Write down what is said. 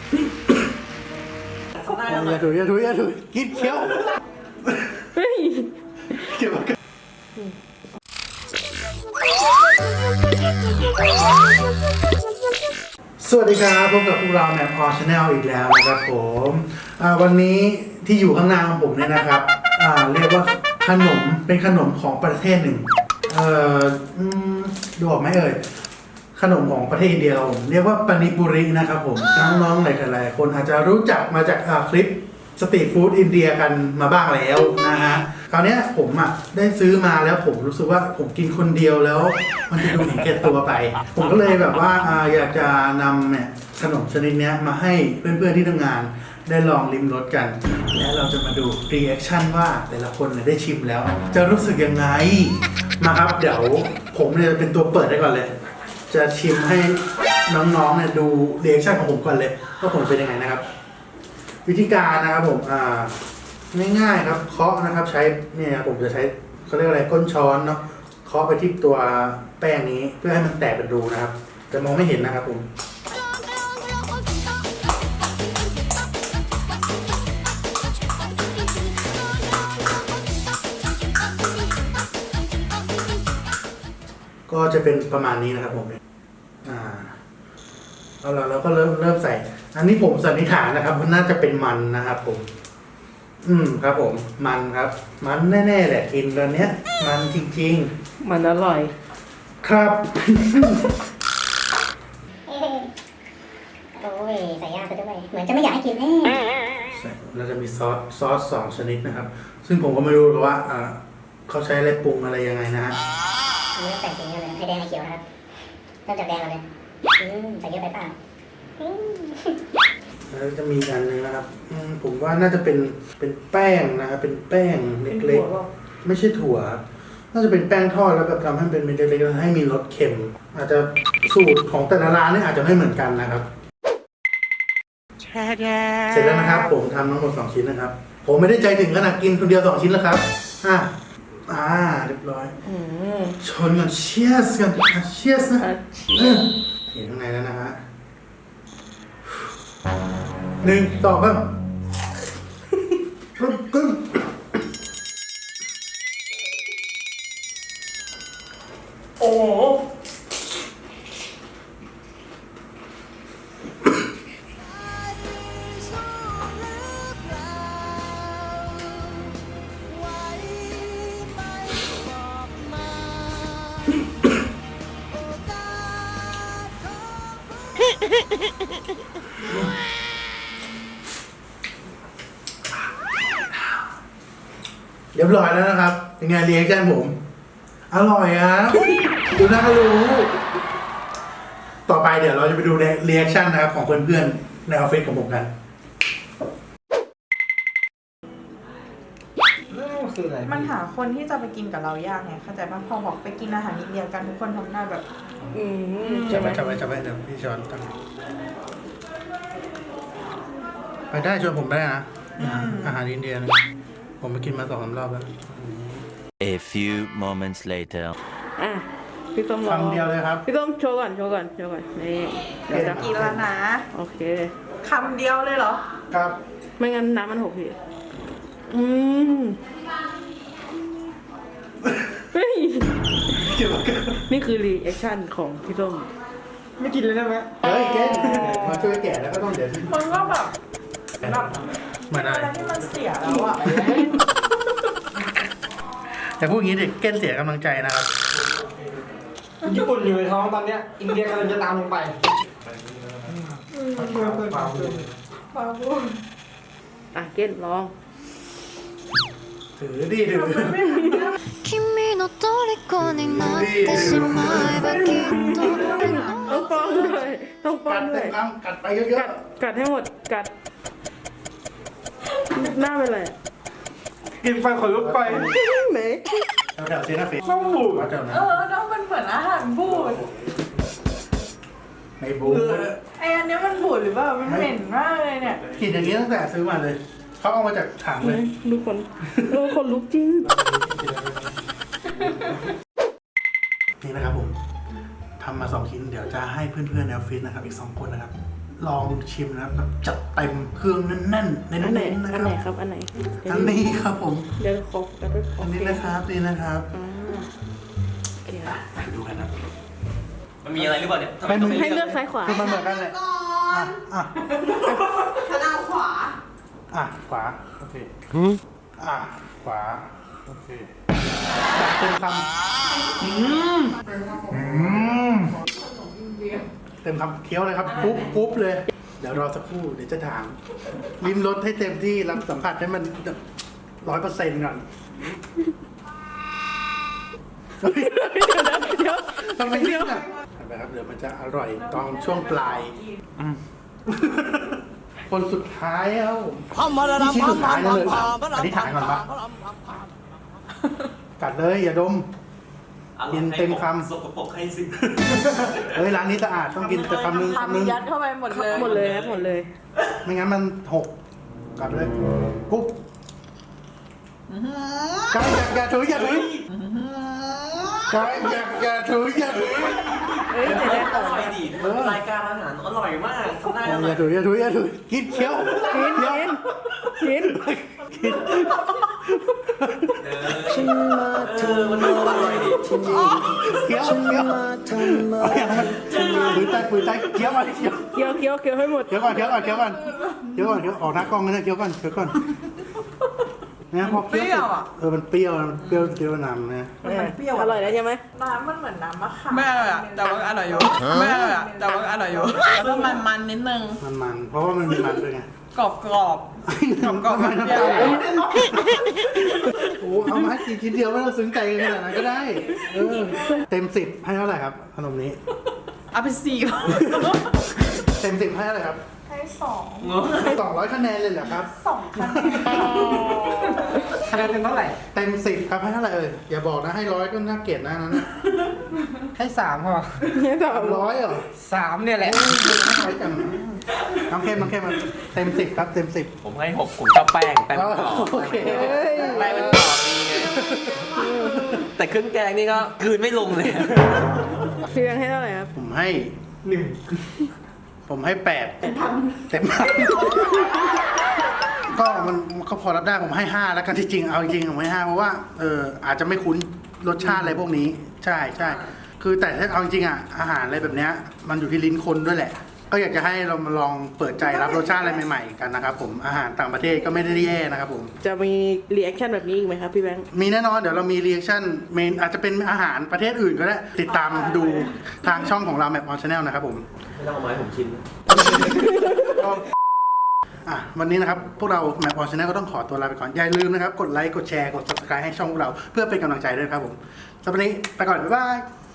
อย่าถุยกินเคี้ยวเฮ้ยเกี่ยวกับสวัสดีครับพบกับพวกเราแมปออชแนลอีกแล้วนะครับผมวันนี้ที่อยู่ข้างหน้าของผมเนี่ยนะครับเรียกว่าขนมเป็นขนมของประเทศหนึ่งดูออกไหมเอ่ยขนมของประเทศอินเดียผมเรียกว่าปานิปุรินะครับผมน้องๆหลายๆคนอาจจะรู้จักมาจากคลิปสตรีทฟู้ดอินเดียกันมาบ้างแล้วนะฮะคราวนี้ผมได้ซื้อมาแล้วผมรู้สึกว่าผมกินคนเดียวแล้วมันจะดูเห็นแก่ตัวไปผมก็เลยแบบว่าอยากจะนำเนี่ยขนมชนิดนี้มาให้เพื่อนๆที่ทำงานได้ลองลิ้มรสกัน และเราจะมาดูรีแอคชั่นว่าแต่ละคนได้ชิมแล้วจะรู้สึกยังไงมาครับเดี๋ยวผมเนี่ยเป็นตัวเปิดได้ก่อนเลยจะชิมให้น้องๆเนี่ยดูรีแอคชั่นของผมก่อนเลยว่าผลเป็นยังไงนะครับวิธีการนะครับผมง่ายๆครับเคาะนะครับใช้เนี่ยผมจะใช้เขาเรียกอะไรก้นช้อนเนาะเคาะไปที่ตัวแป้งนี้เพื่อให้มันแตกเป็นรูนะครับแต่มองไม่เห็นนะครับผมก็จะเป็นประมาณนี้นะครับผมเอาละเราก็เริ่มใส่อันนี้ผมสันนิษฐานนะครับมันน่าจะเป็นมันนะครับผมครับผมมันครับมันแน่ๆแหละกินตอนเนี้ยมันจริงๆมันอร่อยครับโอ้ยใส่ยากซะด้วยเหมือนจะไม่อยากให้กินแน่เราจะมีซอส2 ชนิดนะครับซึ่งผมก็ไม่รู้ว่าเขาใช้อะไรปรุงอะไรยังไงนะฮะอันนี้แต่งสีเลยไอแดงไอเขียวนะครับเริ่มจากแดงเลยใส่เยอะไปเปล่าแล้วจะมีอันนึงนะครับผมว่าน่าจะเป็นแป้งนะครับเป็นแป้งเล็กๆไม่ใช่ถั่วน่าจะเป็นแป้งทอดแล้วแบบทำให้เป็นเม็ดเล็กๆให้มีรสเค็มอาจจะสูตรของแต่ละร้านนี่อาจจะไม่เหมือนกันนะครับเสร็จแล้วนะครับผมทำทั้งหมด2 ชิ้นนะครับผมไม่ได้ใจถึงขนาดกินคนเดียว2 ชิ้นแล้วครับเรียบร้อยชนกันเชียสกันเชียสนะเห็นข้างในแล้วนะฮะ1 2 3กึ้งโอ้เรียบร้อยแล้วนะครับเป็นไงเรียกกันผมอร่อยอ่ะดูน่ารู้ต่อไปเดี๋ยวเราจะไปดูเรีแอคชั่นนะครับของเพื่อนๆในออฟฟิศของผมกันมันหาคนที่จะไปกินกับเรายากไงเข้าใจป่ะพอบอกไปกินอาหารอินเดียกันทุกคนทำหน้าแบบจับไว้เดี๋ยวพี่ช้อนตั้งไปได้ชวนผมได้นะอาหารอินเดียนะผมไปกินมา2-3 รอบแล้ว A few moments later พี่ต้มคำเดียวเลยครับพี่ต้มโชว์ก่อนนี่เดี๋ยวจะกินแล้วนะโอเคคำเดียวเลยเหรอครับไม่งั้นน้ำมันหกพี่เฮ้ยนี่คือรีแอคชั่นของพี่ต้มไม่กินเลยได้ไหมเฮ้ยแกมาช่วยแกะแล้วก็ต้องเดี๋ยวมันก็แบบเหมือนอะไรที่มันเสียแล้วอะแต่พูดอย่างนี้เด็กเก้นเสียกำลังใจนะครับญี่ปุ่นอยู่ในท้องตอนเนี้ยอินเดียกำลังจะตามลงไปเก้นลองถือดิ君の虜になってしまえばきっとต้องป้อนด้วยกัดไปเยอะๆกัดให้หมดกัดหน้าเป็นไรกินไปขนลุกไปไหนแถวเซนาฟิต้องบูดน้องมันเหมือนอาหารบูดไม่บูดอันนี้มันบูดหรือเปล่ามันเหม็นมากเลยเนี่ยกลิ่นอย่างนี้ตั้งแต่ซื้อมาเลยเขาเอามาจากถังเลยดูคนลุกจริงนี่นะครับผมทำมา2 ชิ้นเดี๋ยวจะให้เพื่อนๆในออฟฟิศนะครับอีก2 คนนะครับลองชิมนะครับแบบจัดเต็มเครื่องแน่นๆอันไหนๆนะอันคไหนรับครับอันไหนอันนี้ครับผมเดี๋ยวขอกันด้วยขออันนี้นะครับนี่นะครับโอเคครับไปดูกันนะมันมีอะไรหรือเปล่าเนี่ยทำไมไม่ต้องมีไม่ให้เลือกซ้ายขวาคือมันเหมือนกันเลยอ่ะอ่ะฉันเอาขวาอ่ะขวาโอเคอ่ะขวาโอเคจัดเต็มคำเต็มคำเคี้ยวเลยครับปุ๊บปุ๊บเลย เดี๋ยวรอสักครู่เดี๋ยวจะถามลิ้มรสให้เต็มที่รับสัมผัสให้มัน100%ก่อนเดี๋ยวทำไมรีบอ่ะเห็นไหมครับเดี๋ยวมันจะอร่อยตอนช่วงปลายคนสุดท้ายเอ้านี่ชิ้นสุดท้ายแล้วเลยอธิษฐานก่อนปะกัดเลยอย่าดม กินเต็มคำสกปรกให้สิเฮ้ยร้านนี้สะอาดต้องกินแต่คำนึงทำยัดเข้าไปหมดเลยหมดเลยครับหมดเลยไม่งั้นมันหกกัดเลยกุ๊บกายอย่าถืออย่าถือกายอย่าถืออย่าถือเฮ้ยแต่ได้ของไม่ดีรายการอาหารอร่อยมากทำได้อย่าถืออย่าถืออย่าถือกินเคี้ยวกินเคี้ยวกินกินมันอร่อยดีเคี้ยวเคี้ยวเอาอย่างมันฝืนใจเคี้ยวมาเคี้ยวเคี้ยวเคี้ยวเคี้ยวให้หมดเคี้ยวก่อนเคี้ยวก่อนเคี้ยวก่อนเคี้ยวก่อนเคี้ยวออกหน้ากล้องนะเคี้ยวก่อนเคี้ยวก่อนนะพอเคี้ยวเสร็จมันเปรี้ยวเปรี้ยวนำนะอร่อยแล้วใช่ไหมน้ำมันเหมือนน้ำมะขามไม่อร่อยอะแต่ว่าอร่อยอยู่ไม่อร่อยอะแต่ว่าอร่อยอยู่แล้วก็มันๆนิดนึงมันเพราะว่ามันมีมันด้วยไงกรอบกรอบกรอบมันเปน้ำรี้ยตาว ลโอ้เอามากินชิ้นเดียวไม่ต้องซึ้งใจกันขนาดนั้นก็ได้เต็ม10ให้เท่าไหร่ครับขนมนี้เอาไปสี่เต็ม10ให้เท่าไหร่ครับให้สอง 200คะแนนเลยเหรอครับคะแนนคะแนนเป็นเท่าไหร่เต็ม10ครับให้เท่าไหร่อย่าบอกนะให้100ก็น่าเกลียดนะนั้นนะให้3พอ 100เหรอ 3เนี่ยแหละน้อยจังน้ำเข้มมันเต็ม10ครับเต็ม10 ผมให้6ผมชอบแป้งมันกรอบโอเคแป้งมันกรอบดีไงแต่เครื่องแกงนี่ก็กลืนไม่ลงเลยพี่แบงค์ให้เท่าไหร่ครับผมให้ผมให้8เต็มก็มันก็พอรับได้ผมให้5แล้วกันที่จริงเอาจริงผมให้5เพราะว่าอาจจะไม่คุ้นรสชาติอะไรพวกนี้ใช่คือแต่ถ้าเอาจริงอาหารอะไรแบบเนี้ยมันอยู่ที่ลิ้นคนด้วยแหละ ก็อยากจะให้เรามาลองเปิดใจรับรสชาติอะไรใหม่ๆกันนะครับผมอาหารต่างประเทศก็ไม่ได้แย่นะครับผมจะมีรีแอคชั่นแบบนี้อีกไหมครับพี่แบงค์มีแน่นอนเดี๋ยวเรามีรีแอคชั่นเมนอาจจะเป็นอาหารประเทศอื่นก็ได้ติดตามดูทางช่องของเรา Map On Channel นะครับผมไม่ต้องเอาไม้ผมชิมวันนี้นะครับพวกเรา Map On Channel ก็ต้องขอตัวลาไปก่อนอย่าลืมนะครับกดไลค์กดแชร์กด Subscribe ให้ช่องพวกเราเพื่อเป็นกำลังใจด้วยครับผมสำหรับวันนี้ไปก่อนบ๊ายบาย